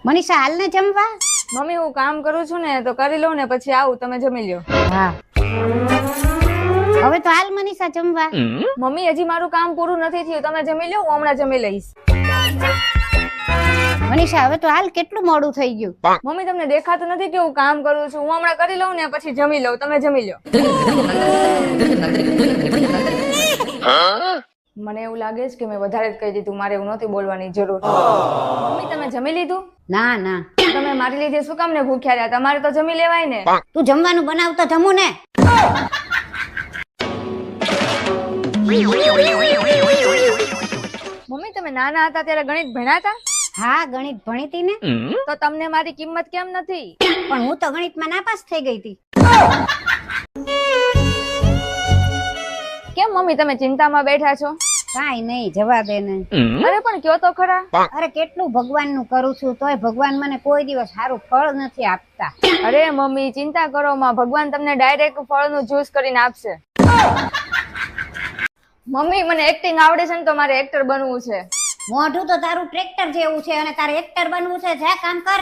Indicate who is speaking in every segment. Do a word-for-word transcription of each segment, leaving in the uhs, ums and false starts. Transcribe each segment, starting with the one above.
Speaker 1: મનીષા હાલ ને જમવા.
Speaker 2: મમ્મી હું કામ કરું છું ને તો કરી લઉં ને પછી આવું, તમે જમી લ્યો.
Speaker 1: હા હવે તો હાલ મનીષા જમવા.
Speaker 2: મમ્મી હજી મારું કામ પૂરું નથી થયું, તમે જમી લ્યો, હું હમણાં જમી લઈશ.
Speaker 1: મનીષા હવે તો હાલ, કેટલું મોડું થઈ ગયું.
Speaker 2: મમ્મી તમને દેખાતું નથી કે હું કામ કરું છું, હું હમણાં કરી લઉં ને પછી જમી લઉં, તમે જમી લ્યો. મને એવું લાગે છે કે મેં વધારે જ કહી દીધું, મારે એવું નથી બોલવાની જરૂર. મમ્મી તમે જમી લીધું?
Speaker 1: ના ના,
Speaker 2: તમે મારી લીધે શું કામ ને ભૂખ્યા રહ્યા? તમારે તો જમી લેવાય ને.
Speaker 1: તું જમવાનું બનાવ તો જમું ને.
Speaker 2: મમ્મી તમે નાના હતા ત્યારે ગણિત ભણ્યા હતા?
Speaker 1: હા ગણિત ભણીતી ને.
Speaker 2: તો તમને મારી કિંમત કેમ નથી?
Speaker 1: પણ હું તો ગણિતમાં નાપાસ થઈ ગઈ હતી.
Speaker 2: કેમ મમ્મી તમે ચિંતામાં બેઠા છો?
Speaker 1: કાઈ નહીં, જવા દે ને.
Speaker 2: અરે પણ કયો તો ખરા.
Speaker 1: અરે કેટલું ભગવાન નું કરું છું તોય ભગવાન મને કોઈ દિવસ સારું ફળ નથી આપતા.
Speaker 2: અરે મમ્મી ચિંતા કરો માં, ભગવાન તમને ડાયરેક્ટ ફળનું જ્યુસ કરીને આપશે. મમ્મી મને એક્ટિંગ આવડે છે ને તો મારે એક્ટર બનવું છે.
Speaker 1: મોઢું તો તારું ટ્રેક્ટર જેવું છે અને તારે એક્ટર બનવું છે, જા કામ કર.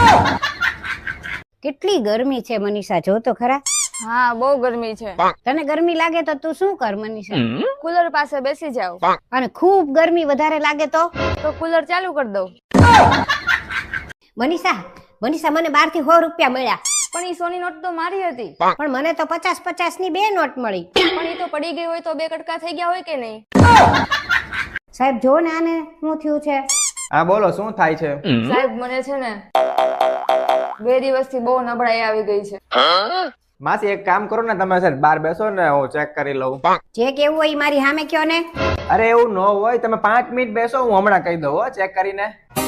Speaker 1: કેટલી ગરમી છે મનીષા, જો તો ખરા.
Speaker 2: હા બહુ ગરમી છે.
Speaker 1: તને ગરમી લાગે તો તું શું કર મનીષા?
Speaker 2: કુલર પાસે બેસી જાવ.
Speaker 1: અને ખૂબ ગરમી વધારે લાગે તો
Speaker 2: તો કુલર ચાલુ કરી દઉં.
Speaker 1: મનીષા મનીષા મને બાર થી સો રૂપિયા મળ્યા.
Speaker 2: પણ ઈ સોની નોટ તો મારી હતી.
Speaker 1: પણ મને તો પચાસ પચાસ ની બે નોટ મળી.
Speaker 2: પણ ઈ તો પડી ગઈ હોય તો બે કટકા થઈ ગયા હોય કે નહીં?
Speaker 1: સાહેબ જો ને આને શું થયું છે?
Speaker 3: હા બોલો, શું થાય છે?
Speaker 2: સાહેબ મને છે ને બે દિવસથી બહુ નબળાઈ આવી ગઈ છે.
Speaker 3: માસી એક કામ કરો ને, તમે સર બહાર બેસો ને હું ચેક કરી લઉં.
Speaker 1: જે કેવું હોય મારી સામે કયો ને.
Speaker 3: અરે એવું ન હોય, તમે પાંચ મિનિટ બેસો, હું હમણાં કહી દઉં હો, ચેક કરીને.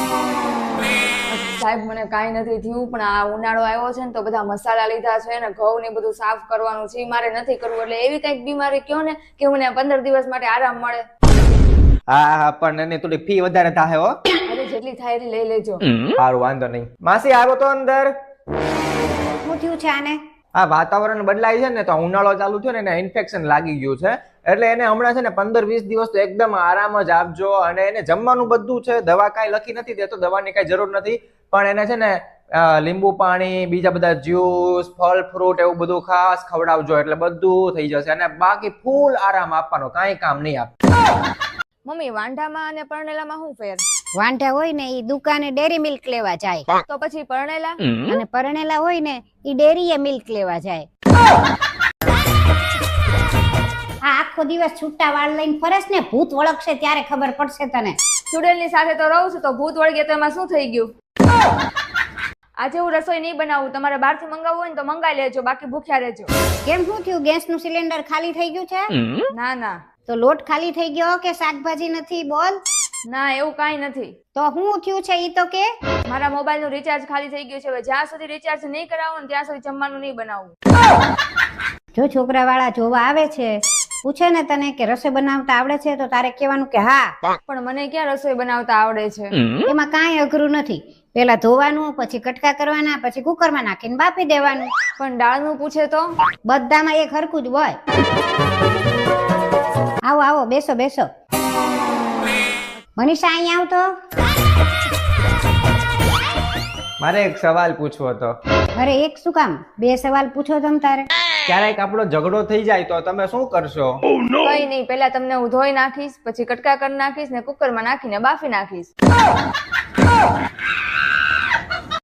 Speaker 2: સાહેબ મને કાંઈ નથી થયું, પણ આ ઉનાળો આવ્યો છે ને તો બધા મસાલા લીધા છે ને ઘઉં ને બધું સાફ કરવાનું છે, મારે નથી કરવું. એટલે એવી કઈક બીમારી કયો ને કે મને પંદર દિવસ માટે આરામ મળે.
Speaker 3: હા હા પણ એની થોડી ફી વધારે થાય હો.
Speaker 2: અરે જેટલી થાય એટલી લઈ લેજો.
Speaker 3: સારું વાંધો નહીં. માસી આવો તો અંદર.
Speaker 1: શું થયું છે આને?
Speaker 3: આ વાતાવરણ બદલાય છે ને તો ઉનાળો ચાલુ થયો ને એને ઇન્ફેક્શન લાગી ગયું છે, એટલે એને હમણાં છે ને પંદર વીસ દિવસ તો એકદમ આરામ જ આપજો. અને એને જમવાનું બધું છે, દવા કાંઈ લખી નથી દેતો, દવાની કાંઈ જરૂર નથી. પણ એને છે ને લીંબુ પાણી, બીજા બધા જ્યુસ, ફળ ફ્રૂટ એવું બધું ખાસ ખવડાવજો, એટલે બધું થઈ જશે. અને બાકી ફૂલ આરામ આપવાનો, કાંઈ કામ નહીં આપ.
Speaker 2: મમ્મી વાંઢામાં અને પરણેલામાં શું ફેર?
Speaker 1: વાંઢા હોય ને ઈ દુકાને ડેરી મિલ્ક લેવા જાય,
Speaker 2: તો પછી પરણેલા?
Speaker 1: અને પરણેલા હોય ને ઈ ડેરીએ મિલ્ક લેવા જાય. આ આખો દિવસ છૂટા વાળ લઈને ફરસ ને, ભૂત વળગશે ત્યારે ખબર પડશે તને.
Speaker 2: ચુડેલની સાથે તો રહું છું તો ભૂત વળગે તો એમાં શું થઈ ગયું? આજે હું રસોઈ નહીં બનાવું, તમારે બહાર થી મંગાવવું હોય ને તો મંગાવી લેજો, બાકી ભૂખ્યા રહેજો.
Speaker 1: કેમ શું થયું? ગેસ નું સિલિન્ડર ખાલી થઈ ગયું છે?
Speaker 2: ના ના.
Speaker 1: તો લોટ ખાલી થઈ ગયો કે શાકભાજી નથી? બોલ.
Speaker 2: ના એવું કાંઈ નથી.
Speaker 1: તો શું થયું છે ઈ તો કે.
Speaker 2: મારા મોબાઈલ નું રિચાર્જ ખાલી થઈ ગયું છે, હવે જ્યાં સુધી રિચાર્જ નહીં કરાવો ને ત્યાં સુધી જમવાનું નહીં બનાવવું.
Speaker 1: જો છોકરા વાળા જોવા આવે છે, પૂછે ને તને કે રસોઈ બનાવતા આવડે છે, તો તારે કહેવાનું કે હા.
Speaker 2: પણ મને ક્યાં રસોઈ બનાવતા આવડે છે?
Speaker 1: એમાં કાંઈ અઘરું નથી. પેલા ધોવાનું, પછી કટકા કરવાના, પછી કુકરમાં નાખીને બાફી દેવાનું.
Speaker 2: પણ દાળનું પૂછે તો?
Speaker 1: બધામાં એક હરખું જ હોય. આવો આવો, બેસો બેસો. મનીષા અહીંયા આવતો.
Speaker 3: મારે એક સવાલ પૂછવો હતો.
Speaker 1: અરે એક શું કામ? બે સવાલ પૂછો તમ તારે.
Speaker 3: ક્યારેક આપણો ઝઘડો થઈ જાય તો તમે શું કરશો?
Speaker 2: કઈ નહીં, પેલા તમને હું ધોઈ નાખીશ, પછી કટકા કરી નાખીશ ને કુકરમાં નાખીને બાફી નાખીશ.